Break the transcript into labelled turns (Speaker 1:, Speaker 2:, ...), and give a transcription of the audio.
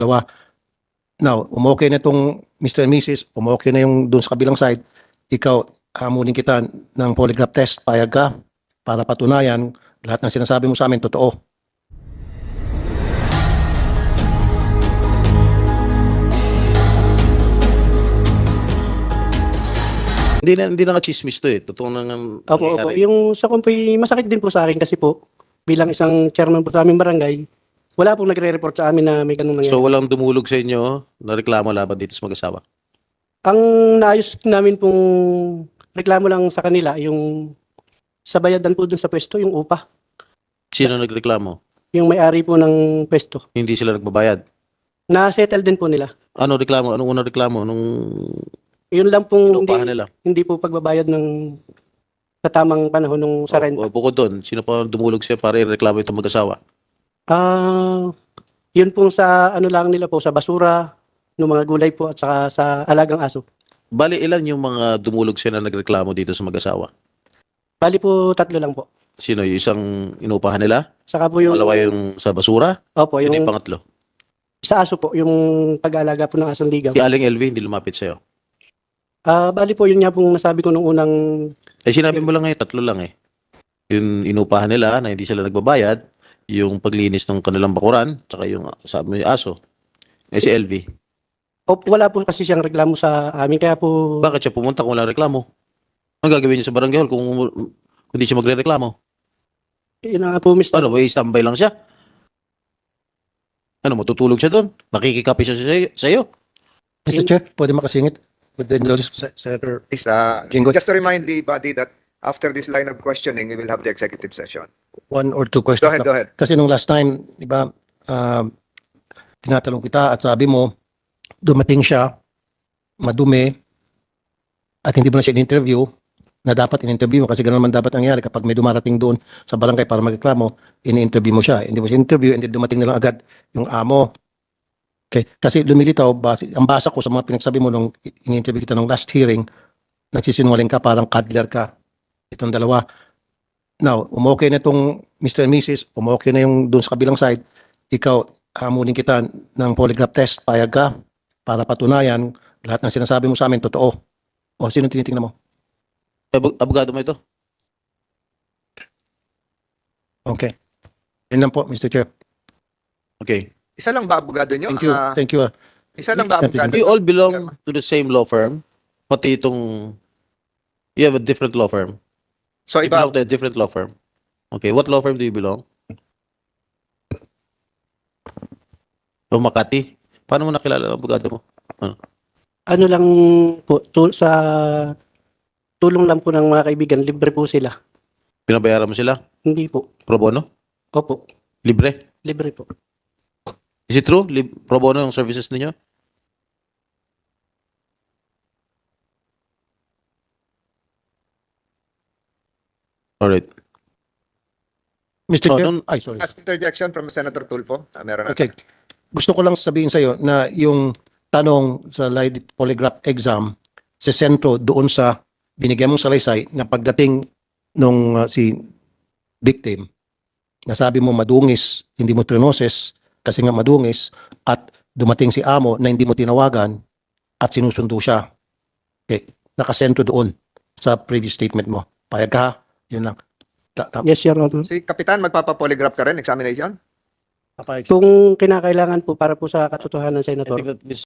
Speaker 1: Dalawa. Now, umokay na itong Mr. and Mrs., umokay na yung doon sa kabilang side, ikaw, hamunin kita ng polygraph test, payag ka, para patunayan, lahat ng sinasabi mo sa amin, totoo.
Speaker 2: Hindi na chismis to eh. Totoo na nga
Speaker 3: Opo.
Speaker 2: nangyayari.
Speaker 3: Yung sa kumpoy, masakit din po sa akin kasi po, bilang isang chairman po sa aming barangay, wala pong nagre-report sa amin na may ganun nangyari.
Speaker 2: So walang dumulog sa inyo na reklamo laban dito sa mag-asawa?
Speaker 3: Ang naayos namin pong reklamo lang sa kanila, yung sa bayadan po dun sa pwesto, yung upa.
Speaker 2: Sino nagreklamo?
Speaker 3: Yung may-ari po ng pwesto.
Speaker 2: Hindi sila nagbabayad.
Speaker 3: Na-settle din po nila.
Speaker 2: Ano reklamo? Anong unang reklamo? Anong
Speaker 3: Yun lang pong
Speaker 2: inuupahan nila?
Speaker 3: hindi po pagbabayad ng sa tamang panahon nung sa renta.
Speaker 2: O, bukod doon, sino pa dumulog siya para ireklamo itong mag-asawa?
Speaker 3: Yun pong sa ano lang nila po, sa basura, ng mga gulay po at saka sa alagang aso.
Speaker 2: Bali, ilan yung mga dumulog siya na nagreklamo dito sa mag-asawa?
Speaker 3: Bali po 3 lang po.
Speaker 2: Sino? Yung isang inuupahan nila?
Speaker 3: Saka po yung,
Speaker 2: Malawa yung sa basura?
Speaker 3: opo,
Speaker 2: Sino
Speaker 3: yung
Speaker 2: yung pangatlo?
Speaker 3: sa aso po, yung pag-aalaga po ng asong ligaw.
Speaker 2: Si Aling LV hindi lumapit sa'yo.
Speaker 3: Bali po, yun nga pong nasabi ko nung unang,
Speaker 2: Eh sinabi mo lang tatlo lang eh. Yung inupahan nila na hindi sila nagbabayad, yung paglinis ng kanilang bakuran, tsaka yung sabi mo yung aso. Eh si LV,
Speaker 3: wala po kasi siyang reklamo sa amin, kaya po,
Speaker 2: bakit siya pumunta kung wala reklamo? Ang gagawin niya sa barangay hall kung hindi siya magre-reklamo?
Speaker 3: yun na nga po, Mr.
Speaker 2: Ano, may standby lang siya? Ano, matutulog siya doon? Makikikapi siya sa'yo?
Speaker 1: Mr. Chair, pwede makasingit? With the indulgence of Senator
Speaker 4: Is,
Speaker 1: Jinggoy.
Speaker 4: just to remind the body that after this line of questioning, we will have the executive session.
Speaker 1: 1 or 2 questions.
Speaker 4: Go ahead, go ahead.
Speaker 1: Kasi nung last time, di ba, tinatanong kita at sabi mo, dumating siya, madumi, at hindi mo na siya in-interview, na dapat in-interview mo kasi ganoon naman dapat nangyari kapag may dumarating doon sa barangay para magreklamo, in-interview mo siya. Hindi mo siya interview, hindi dumating na lang agad yung amo. Okay. Kasi lumilitaw, ang basa ko sa mga pinagsabi mo nung in-interview kita nung last hearing, nagsisinungaling ka, parang cuddler ka. Itong dalawa. Now, umokay na itong Mr. and Mrs., umokay na yung doon sa kabilang side, ikaw, hamunin kita ng polygraph test, payag ka, para patunayan, lahat ng sinasabi mo sa amin, totoo. O sino tinitingnan mo?
Speaker 2: Abogado mo ito?
Speaker 1: Okay. Yan lang po, Mr. Chair.
Speaker 2: Okay.
Speaker 4: Isa lang ba abogado nyo?
Speaker 1: Thank you. Thank you.
Speaker 4: Isa lang ba abogado
Speaker 2: Do you
Speaker 4: nyo?
Speaker 2: all belong to the same law firm? Pati itong, you have a different law firm?
Speaker 4: So
Speaker 2: You
Speaker 4: iba,
Speaker 2: belong to a different law firm? Okay, what law firm do you belong? O Makati? Paano mo nakilala ang abogado mo?
Speaker 3: ano lang po, sa tulong lang po ng mga kaibigan, libre po sila.
Speaker 2: Pinabayaran mo sila?
Speaker 3: Hindi po.
Speaker 2: Pro bono?
Speaker 3: Opo,
Speaker 2: Libre?
Speaker 3: libre po.
Speaker 2: Is it true? Pro bono yung services ninyo? Alright.
Speaker 1: Mr.
Speaker 2: So,
Speaker 1: Chair,
Speaker 2: nung-
Speaker 1: ay, sorry.
Speaker 4: last interjection from Senator Tulfo. Meron na.
Speaker 1: Okay. Gusto ko lang sabihin sa iyo na yung tanong sa lie polygraph exam sa sentro doon sa binigyan mong salaysay na pagdating nung si victim, nasabi mo madungis, hindi mo trinoses kasi nga madungis at dumating si amo na hindi mo tinawagan at sinusundo siya. Okay. Nakasentro doon sa previous statement mo. Payag ka, yun lang.
Speaker 3: Yes, Your Honor.
Speaker 4: Si Kapitan, magpapapolygraph ka rin, examination?
Speaker 1: Papayag.
Speaker 3: Kung kinakailangan po para po sa katotohanan,
Speaker 2: I
Speaker 3: Senator.
Speaker 2: think that this